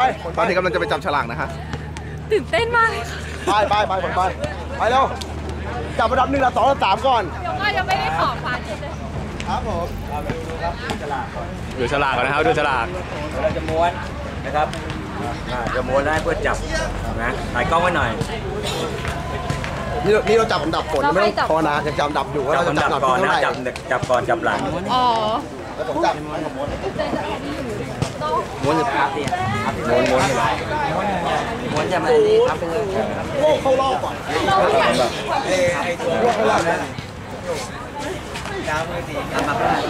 ตอนนี้กำลังจะไปจับฉลากนะฮะตื่นเต้นมากไปเร็วจับอันดับ1 อันดับ 2 อันดับ 3ก่อนก็ยังไม่ได้ขอฟันเลยครับผมดูฉลากก่อนนะครับดูฉลากเราจะม้วนนะครับจะม้วนได้เพื่อจับนะถ่ายกล้องไว้หน่อยนี่เราจับอันดับฝนไม่ต้องพอนะยังจับอันดับอยู่ว่าเราจะจับก่อนนะจับก่อนจับหลังอ๋อแล้วผมจับม้วนจะพับเนี่ยม้วนจะมาดีพับไปเลยโลกเข้ารอบก่อนโลกเข้ารอบนะดาวมือดีทำมาได้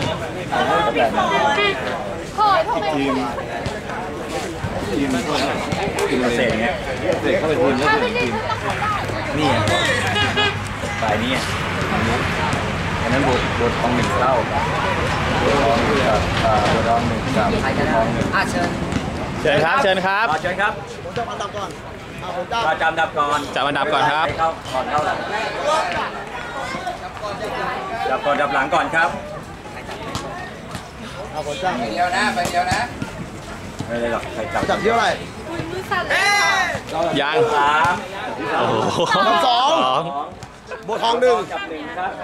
โอ้ยทำไมทีมเสร็จเนี่ยเสร็จเข้าไปทีมนี่ฝ่ายนี้อันนั้นบททอง1 เท่าบททอง1 กับทอง1 กับทอง1 เชิญครับเชิญครับผมจับอันดับก่อนเราจำดับก่อนจับอันดับก่อนครับเข้าหลังจับก่อนจับหลังก่อนครับผมจับไปเดียวนะไม่เลยหรอกใครจับเที่ยวอะไรมือสั่นเลยยัง 3 โอ้โห 2บททอง1 จับ1ครับ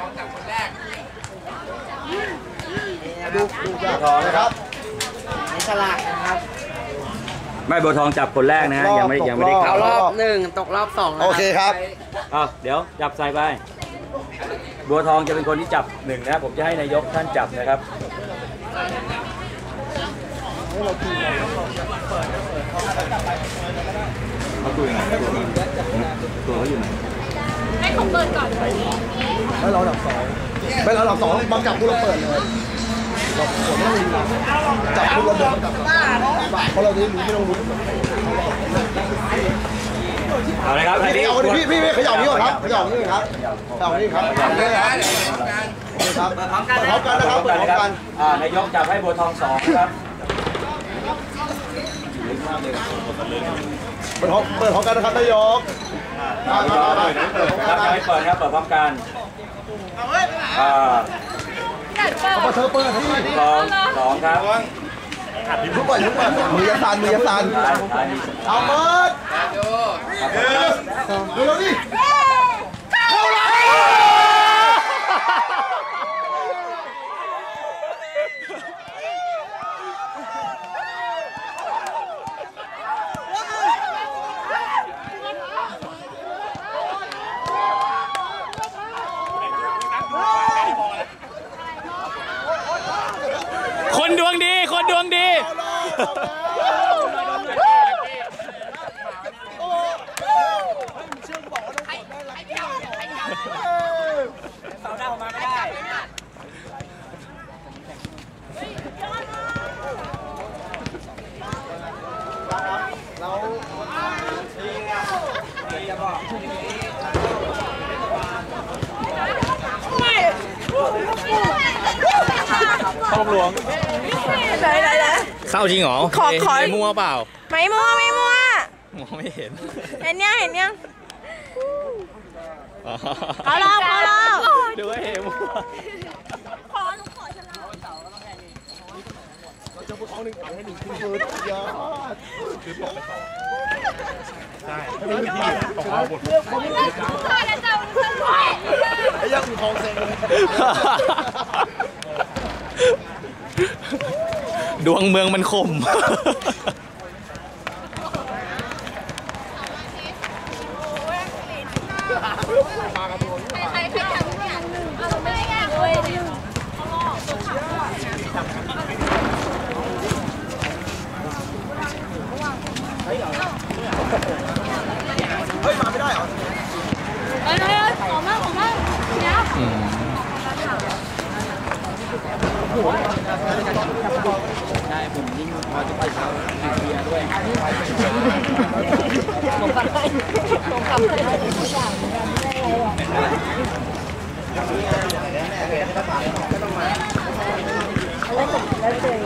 ดูจับทองนะครับนี่ฉลากนะครับไม่บัวทองจับคนแรกนะยังไม่ได้เข้ารอบ1ตกรอบ2 โอเคครับเดี๋ยวจับใส่ไปบัวทองจะเป็นคนที่จับ1นะผมจะให้นายกท่านจับนะครับเขาตัวยังไงตัวเขาอยู่ไหนให้ผมเปิดก่อนแล้วเราอันดับ 2ไม่เราอันดับ 2บังจับพวกเราเปิดเลยเราไม่ต้องจับพวกเราเดินจับเพราะเราจะรู้ไม่ต้องรู้เอาเลยครับพี่ขยับนี้ก่อนครับขยับนี้ครับขยับนี้ครับนี่ครับครับพร้อมกันนะครับพร้อมกันนายกจับให้บัวทอง2ครับเปิดพร้อมกันนะครับนายกครับให้เปิดครับเปิดพร้อมกันเธอเปิดที่ 2ครับทุกคนมือยาซันเอาเปิดดูแล้วดิเข้าเลยคนดวงดีเข้าหลวงเข้าจริงเหรอขอมั่วเปล่าไม่มั่วมองไม่เห็นเห็นยังขอรอบดูให้เห็นมั่วขอฉลากเราจะพูดท้อง1ถังให้1ขึ้นมือยอดคือบอกไปใช่ไม่มีที่ตกเอาหมดไอ้ยังมีทองเซ็งเลยดวงเมืองมันคมใครจับเนี่ยเราไม่ได้แยกเลยเฮ้ยมาไม่ได้เหรอขอมากเนี่ยได้ผมยิ่งพอจะไปเช้าดื่มเบียร์ด้วยผมกลับให้ทุกอย่างไม่ได้อะไรหรอก